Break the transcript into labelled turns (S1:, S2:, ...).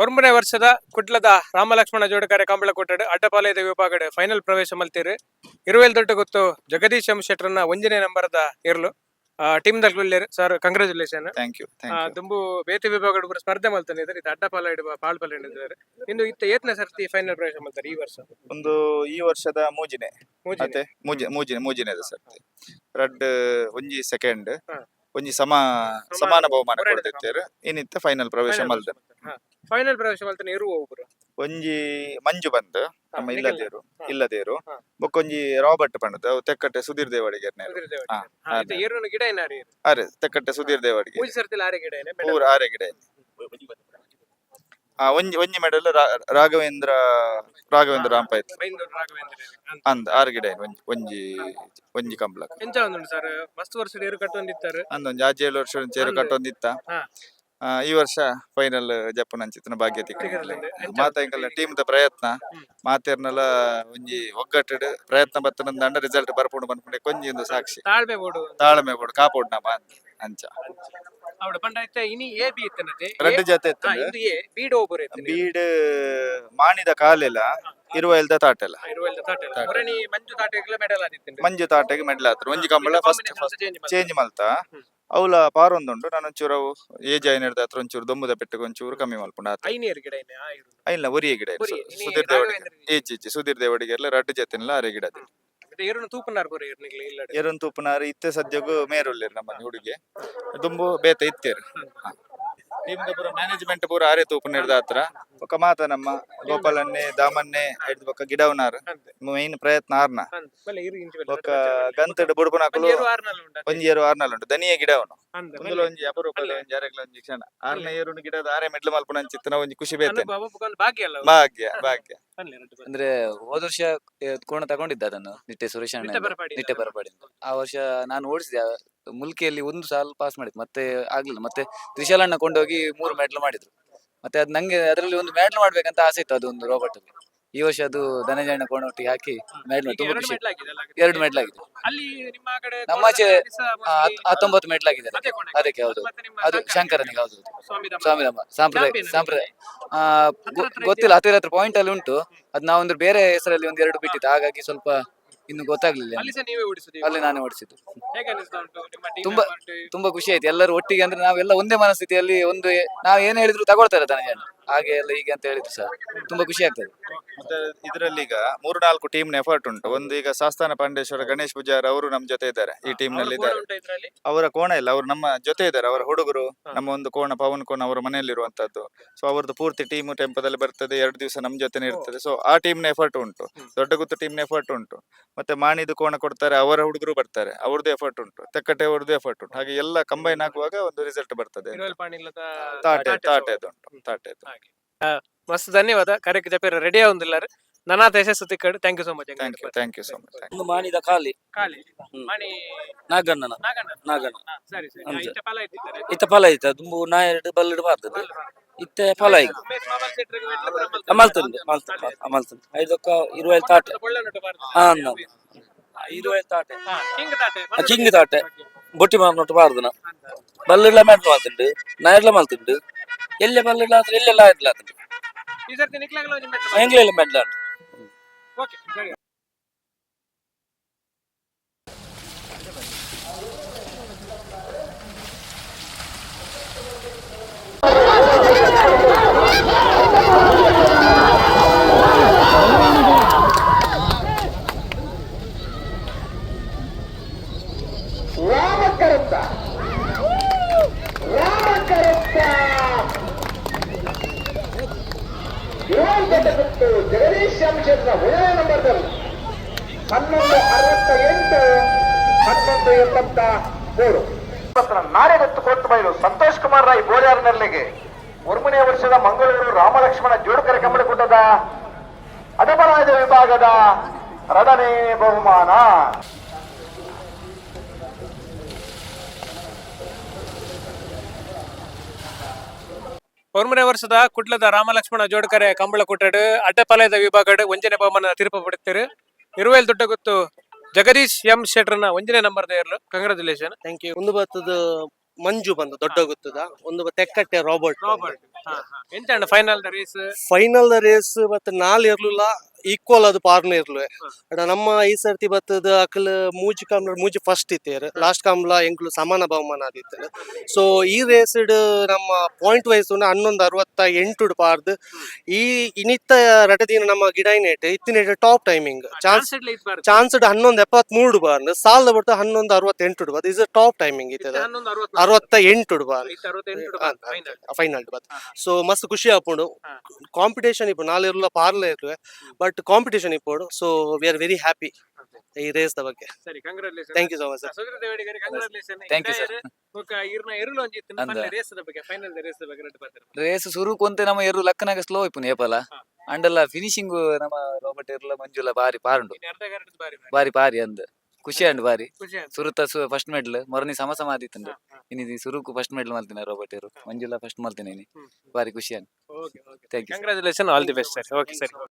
S1: ಒಂಬನೇ ವರ್ಷದ ಕುಟ್ಲದ ರಾಮಲಕ್ಷ್ಮಣ ಜೋಡಕರೆ ಕಂಬಳ ಕೊಟ್ಟಡು ಅಡ್ಡಪಾಲಯದ ವಿಭಾಗಡ್ ಫೈನಲ್ ಪ್ರವೇಶ ಮಲ್ತೀರು ಇರುವೆಲ್ ದೊಡ್ಡ ಗೊತ್ತು ಜಗದೀಶ್ ಎಂ ಶೆಟ್ರನ್ನ ಒಂಜನೇ ನಂಬರ್ದ ಇರ್ಲು ಟೀಮ್ ದಲ್ಲಿ ಸರ್ ಕಂಗ್ರಾಚುಲೇಷನ್.
S2: ಥ್ಯಾಂಕ್ ಯು
S1: ತುಂಬು ಬೇತೆ ವಿಭಾಗಡ್ ಕೂಡ ಸ್ಪರ್ಧೆ ಮಲ್ತಾನೆ ಇದ್ದಾರೆ. ಇದು ಅಡ್ಡಪಾಲ ಪಾಳ್ಪಲ್ಲ ಇದ್ದಾರೆ. ಇನ್ನು ಇತ್ತ ಏತ್ನೇ ಸರ್ತಿ ಫೈನಲ್ ಪ್ರವೇಶ ಮಲ್ತಾರೆ ಈ ವರ್ಷ?
S2: ಒಂದು ಈ ವರ್ಷದ ಮೂಜಿನೆ ಮತ್ತೆ ಮೂಜಿನೆ ಸರ್ತಿ ರಡ್ ಒಂಜಿ ಸೆಕೆಂಡ್ ಒಂಜಿ ಸಮಾನ ಬಹುಮಾನ ಕೊಡ್ತಿದ್ದೇರು. ಇನ್ನಿತ್ತ ಫೈನಲ್ ಪ್ರವೇಶ ಮಲ್ದ
S1: ಫೈನಲ್ ಪ್ರವೇಶ ಮಲ್ತಾನೆ ಇರುವ ಒಬ್ರು
S2: ಒಂಜಿ ಮಂಜು ಬಂದು ನಮ್ಮ ಇಲ್ಲದೇರು ಬೊಕ್ಕೊಂಜಿ ರಾಬರ್ಟ್ ಪಂಡದ ಅವು ತೆಕ್ಕಟ್ಟೆ ಸುಧೀರ್ ದೇವಾಡಿಗೆ
S1: ಗಿಡ ಏನಾರಿ
S2: ಅರೆ ತೆಕ್ಕಟ್ಟೆ ಸುಧೀರ್ ದೇವಾಡಿಗೆ ಪೂರ ಆರೆ ಗಿಡ ಒಂಜಿ ಮೆಡಲ್ ರಾಘವೇಂದ್ರ ರಾಂಪಾಯ್ತು ಅಂದ ಆರು ಗಿಡ ಒಂಜಿ ಕಂಬಳ
S1: ಸರ್ ಮಸ್ತ್ ವರ್ಷ ಏರು ಕಟ್ಟೊಂದಿತ್ತಾರೆ
S2: ಅಂದೊಂದು 6-7 ವರ್ಷ ಚೇರು ಕಟ್ಟೊಂದಿತ್ತ. ಈ ವರ್ಷ ಫೈನಲ್ ಜಪ್ಪುನ ಅಂಚಿತ್ತಿನ ಭಾಗ್ಯ ತಿಕ್ಕಿ ಮಾತಾಂಕಲ್ಲ ಟೀಮ್ ದ ಪ್ರಯತ್ನ ಮಾತೇರ್ನಲ ಒಂಜಿ ಒಗ್ಗಟ್ಟು ಪ್ರಯತ್ನ ಬತ್ತನಂದ ರಿಸಲ್ಟ್ ಬರ್ಪುಂಡು ಬಂದ್ಪುಂಡೆ ಕೊಂಜಿ ಒಂದು ಸಾಕ್ಷಿ ತಾಳ್ಮೆ ಬೋಡು ಕಾಪೋಡು ನಮ್ಮ ಅಂಚ ರಡ್ಡು ಜೊತೆ ಬೀಡ್ ಮಾಣಿದ ಕಾಲೆಲ್ಲ ಇರುವೆಲ್ದ ತಾಟೆಲ್ಲ ಮಂಜು ತಾಟೆಗೆ ಮೆಡಲ್ ಆತರು ಒಂಜಿ ಕಂಬಳ ಫಸ್ಟ್ ಚೇಂಜ್ ಮಲ್ತ ಅವಳ ಪಾರೊಂದುಂಡು ನಾನು ಒಂಚೂರು ಏಜ್ ಐನರ್ದ ಹತ್ರ ಒಂಚೂರು ದೊಂಬುದ ಪೆಟ್ಟಿಗೆ ಒಂಚೂರು ಕಮ್ಮಿ ಮಲ್ಪುಂಡ ಐಲ್ಲ ಒರಿಯ ಗಿಡ ಸುಧೀರ್ ದೇವಡಿಗೆ ಸುಧೀರ್ ದೇವಡಿಗೆ ಎಲ್ಲ ರಡ್ಡು ಜೊತೆಲ್ಲ ಅರೆ ಗಿಡ ಎರನ್ ತೂಪನಾರ್ ಇತ್ತೆ ಸದ್ಯಗೂ ಮೇರುಳ್ಳೇರು ನಮ್ಮ ಹುಡುಗಿ ದುಂಬು ಬೇತ ಇತ್ತೇರು ಟೀಮ್ ಪೂರ ಮ್ಯಾನೇಜ್ಮೆಂಟ್ ಪೂರ ಆರೆ ತೂಪು ನಿರ್ದ ಹತ್ರ ಒಕ್ಕ ಮಾತ ನಮ್ಮ ಗೋಪಾಲನ್ನೇ ದಾಮನ್ನೇ ಹಿಡ್ದು ಬೊಕ್ಕ ಗಿಡವನಾರ್ ಮೈನ್ ಪ್ರಯತ್ನ ಆರ್ನ ಒಕ್ಕ ಗಂತಡ್ ಬುಡ್ಪುನಾಕಲು ಒಂಜಿ ಏರು ಆರ್ನಲ್ ಉಂಟು ದನಿಯ ಗಿಡವನು ಒಂದುಲ ಒಂಜಿ ಅಪರೂಪದ ಒಂಜಿ ಅರೆಗ್ಲ ಒಂಜಿ ಕ್ಷಣ ಆರ್ನ ಏರುನು ಗಿಡದ ಆರೆ ಮೆಡ್ಲು ಮಲ್ಪುನ ಅಂಚಿತ್ತಿನ ಒಂಜಿ ಖುಷಿ ಬೇತೆ ಭಾಗ್ಯ
S3: ಅಂದ್ರೆ ಹೋದ ವರ್ಷ ಕೋಣ ತಗೊಂಡಿದ್ದ ಅದನ್ನು ನಿಟ್ಟೆ ಸುರೇಶ್ ನಿಟ್ಟೆ ಬರಪಾಡಿ ಆ ವರ್ಷ ನಾನು ಓಡಿಸಿದೆ ಮುಲ್ಕಿಯಲ್ಲಿ ಒಂದು ಸಾಲ ಪಾಸ್ ಮಾಡಿದ್ ಮತ್ತೆ ಆಗ್ಲಿಲ್ಲ. ಮತ್ತೆ ತ್ರಿಶಾಲಣ್ಣ ಕೊಂಡೋಗಿ 3 ಮೆಡಲ್ ಮಾಡಿದ್ರು. ಮತ್ತೆ ಅದು ನಂಗೆ ಅದರಲ್ಲಿ ಒಂದು ಮೆಡಲ್ ಮಾಡ್ಬೇಕಂತ ಆಸೆ ಇತ್ತು ಅದೊಂದು ರೋಬೋಟ್ ಅಲ್ಲಿ. ಈ ವರ್ಷ ಅದು ಧನಂಜಯಣ್ಣ ಕೋಣೊಟ್ಟಿಗೆ ಹಾಕಿ ಮೆಡಲ್ ತುಂಬಾ ಖುಷಿ. 2 ಮೆಡಲ್ ಆಗಿದೆ ನಮ್ಮಾಚೆ 19 ಮೆಡಲ್ ಆಗಿದೆ ಅದಕ್ಕೆ. ಹೌದು ಅದು ಶಂಕರನಿಗೆ. ಹೌದು ಸ್ವಾಮಿರಾಮ ಸಂಪ್ರದಾಯ ಗೊತ್ತಿಲ್ಲ. ಹತ್ತಿರ ಪಾಯಿಂಟ್ ಅಲ್ಲಿ ಉಂಟು ಅದು. ನಾವೊಂದು ಬೇರೆ ಹೆಸರಲ್ಲಿ 1-2 ಬಿಟ್ಟಿತ್ತು, ಹಾಗಾಗಿ ಸ್ವಲ್ಪ ಇನ್ನು ಗೊತ್ತಾಗ್ಲಿಲ್ಲ. ಅಲ್ಲಿ ನಾನೇ ಓಡಿಸಿದ್ದು. ತುಂಬಾ ಖುಷಿ ಆಯ್ತು ಎಲ್ಲರೂ ಒಟ್ಟಿಗೆ. ಅಂದ್ರೆ ನಾವೆಲ್ಲ ಒಂದೇ ಮನಸ್ಥಿತಿಯಲ್ಲಿ ನಾವ್ ಏನ್ ಹೇಳಿದ್ರು ತಗೊಳ್ತಾರೆ ಧನಂಜಯಣ್ಣ, ಹಾಗೆ ಎಲ್ಲ ಹೀಗೆ ಅಂತ ಹೇಳಿದ್ರು ಸರ್. ತುಂಬಾ ಖುಷಿ ಆಗ್ತದೆ.
S2: ಮತ್ತೆ ಇದರಲ್ಲಿ ಈಗ 3-4 ಟೀಮ್ ಎಫರ್ಟ್ ಉಂಟು. ಒಂದು ಈಗ ಸಾಸ್ತಾನ ಪಾಂಡೇಶ್ವರ ಗಣೇಶ್ ಪೂಜಾರ್ ಅವರು ನಮ್ಮ ಜೊತೆ ಇದ್ದಾರೆ, ಈ ಟೀಮ್ ನಲ್ಲಿ ಇದ್ದಾರೆ. ಅವರ ಕೋಣ ಇಲ್ಲ, ಅವರು ನಮ್ಮ ಜೊತೆ ಇದ್ದಾರೆ. ಅವರ ಹುಡುಗರು ನಮ್ಮ ಒಂದು ಕೋಣ ಪವನ್ ಕೋಣ ಅವರ ಮನೆಯಲ್ಲಿರುವಂತದ್ದು. ಸೊ ಅವ್ರದ್ದು ಪೂರ್ತಿ ಟೀಮ್ ಟೆಂಪದಲ್ಲಿ ಬರ್ತದೆ, 2 ದಿವಸ ನಮ್ಮ ಜೊತೆ ಇರ್ತದೆ. ಸೊ ಆ ಟೀಮ್ ನ ಎಫರ್ಟ್ ಉಂಟು. ದೊಡ್ಡ ಗುತ್ತು ಟೀಮ್ ನ ಎಫರ್ಟ್ ಉಂಟು. ಮತ್ತೆ ಮಾಣಿದು ಕೋಣ ಕೊಡ್ತಾರೆ, ಅವರ ಹುಡುಗರು ಬರ್ತಾರೆ, ಅವ್ರದ್ದು ಎಫರ್ಟ್ ಉಂಟು. ತೆಕ್ಕಟ್ಟೆ ಅವ್ರದ್ದು ಎಫರ್ಟ್ ಉಂಟು. ಹಾಗೆ ಎಲ್ಲ ಕಂಬೈನ್ ಆಗುವಾಗ ಒಂದು ರಿಸಲ್ಟ್ ಬರ್ತದೆ. ತಾಟೆ
S1: ಮಸ್ತ್ ಧನ್ಯವಾದ. ಕಾರ್ಯಕ್ಕೆ ಜಪೇರ ರೆಡಿ ಆಗುದಿಲ್ಲ ನನಾತ ಯಶಸ್ಸು ತಿಕ್ಕಡು. Thank you so much.
S2: Thank you so much.
S4: ಮಾಣಿದ ಕಾಲಿ ನಾಗಣ್ಣ ಇತ್ತ ಫಲ ಐತ ದುಂಬು ನಾ 2 ಬಲ್ಲಡ್ ಬಾರ್ದದು ಇತ್ತೆ ಫಲ ಐತ ಮಲ್ತುಂಡು ಐದೊಕ್ಕ 20 ತಾಟೆ 20 ತಾಟೆ ಕಿಂಗ್ ತಾಟೆ ಬೊಟ್ಟಿ ಮಾರ್ನೊಟ್ಟು ಬಾರ್ದನ ಬಲ್ಲಡ್ಲ ಮೆಟ್ಲು ಮಾಲ್ತುಂಡು ನಾ ಮಲ್ತುಂಡು ಎಲ್ಲೆ ಬಲ್ಲಡ್ಲ ಆದ್ರೆ ಎಲ್ಲೆಲ್ಲ ಆಯ್ತಲ್ಲ ಆತುಂಡು ಎಂಗ್ಲೆಲ್ಲ ಮೆಡ್ಲ
S5: ಜಗದೀಶ್ ಶ್ಯಾಮಚಂದ್ರ 1ನೇ ನಂಬರ್ದಲ್ಲಿ 1168 ನಾಳೆಗೊತ್ತು ಕೊಟ್ಟು ಬಯಲು ಸಂತೋಷ್ ಕುಮಾರ್ ರಾಯ್ ಬೋಳ್ಯಾರ್ ನೆರಳಿಗೆ 1ನೇ ವರ್ಷದ ಮಂಗಳೂರು ರಾಮಲಕ್ಷ್ಮಣ ಜೋಡಕರೆ ಕಂಬಳಕೂಟದ ಅಡಬಲಾಯದ ವಿಭಾಗದ 2ನೇ ಬಹುಮಾನ.
S1: ಒಂಬನೇ ವರ್ಷದ ಕುಟ್ಲದ ರಾಮಲಕ್ಷ್ಮಣ ಜೋಡಕರೆ ಕಂಬಳ ಕೊಟ್ಟಡು ಅಡ್ಡಪಾಲಯದ ವಿಭಾಗಡ್ 1ನೇ ಬಹುಮಾನ ತೀರ್ಪು ಪಡುತ್ತಾರೆ. ಇರುವೆಲ್ ದೊಡ್ಡ ಗೊತ್ತು ಜಗದೀಶ್ ಎಂ ಶೆಟ್ರನ್ನ 1ನೇ ನಂಬರ್ದ ಇರ್ಲು. ಕಂಗ್ರಾಚುಲೇಷನ್. Thank you.
S6: ಒಂದು ಬತ್ತದ ಮಂಜು ಬಂದು ದೊಡ್ಡ ಗೊತ್ತದ ಒಂದು ತೆಕ್ಕಟ್ಟೆ ರಾಬರ್ಟ್
S1: ಎಂತ ಅಣ್ಣ ಫೈನಲ್ ರೇಸ್
S6: ಫೈನಲ್ ರೇಸ್ ಮತ್ತೆ ನಾಲ್ ಇರ್ಲಿಲ್ಲ ಈಕ್ವಲ್ ಅದು ಪಾರ್ನ ಇರ್ಲು ನಮ್ಮ ಈ ಸರ್ತಿ ಬತ್ತದ ಅಕಲ್ ಮೂಜಿ ಕಾಮ್ಲ ಮೂಜಿ ಫಸ್ಟ್ ಇತ್ತೇರು ಲಾಸ್ಟ್ ಕಾಮ್ಲ ಎಂಕ್ಲು ಸಮಾನ ಬಹುಮಾನ ಆದಿತ್ತು ಸೊ ಈ ರೇಸ್ ನಮ್ಮ ಪಾಯಿಂಟ್ ವೈಸ್ 11:68 ಪಾರ್ದು ಈ ಇನಿತ್ತ ರಟದಿನ ನಮ್ಮ ಗಿಡೈನೇಟ್ ಇತ್ತಿನ ಟಾಪ್ ಟೈಮಿಂಗ್ ಚಾನ್ಸ್ 11:73 ಬಾರ್ದು ಸಾಲ ಬಿಟ್ಟು 11:68 ಬಾರ್ದು ಇಸ್ ಟಾಪ್ ಟೈಮಿಂಗ್ ಇತ್ತದ 68 ಬಾರ್ ಫೈನಲ್ ಬಾರ್ ಸೊ ಮಸ್ತ್ ಖುಷಿ ಆಪುಂಡು ಕಾಂಪಿಟೇಷನ್ ಇಪ್ಪು ನಾಲ್ ಇರಲ್ಲ ಪಾರ್ಲ ಇರ್ಲು ಬಟ್ ಕಾಂಪಿಟೇಷನ್ ಇಪ್ಪೋಡು so we are very happy ಈ ರೇಸ್ ದ ಬಗ್ಗೆ
S1: ಸರಿ congratulation
S6: thank you so much sir
S3: Thank you, sir. Race ಸುರು ಕೊಂತೆ ನಮ್ಮ ಎರು ಲಕ್ಕನಾಗ ಸ್ಲೋ ಇಪ್ಪುನು ಏಪಲ ಅಂಡಲ್ಲ ಫಿನಿಶಿಂಗ್ ನಮ್ಮ ರಾಬರ್ಟ್ ಇರ್ಲ ಮಂಜುಲ ಬಾರಿ ಪಾರುಂಡು ಬಾರಿ ಪಾರಿ ಅಂದ್ ಖುಷಿ ಅಂಡ್ ಬಾರಿ ಸುರುತ ಫಸ್ಟ್ ಮೆಡಲ್ ಮೊರನಿ ಸಮ ಆದಿತ್ತಂಡು ಇನಿ ಸುರುಕು ಫಸ್ಟ್ ಮೆಡಲ್ ಮಲ್ತಿನ ರಾಬರ್ಟ್ ಇರು ಮಂಜುಲ ಫಸ್ಟ್ ಮಲ್ತಿನ ಬಾರಿ ಖುಷಿ and thank you
S1: congratulation all the best sir okay ಸರಿ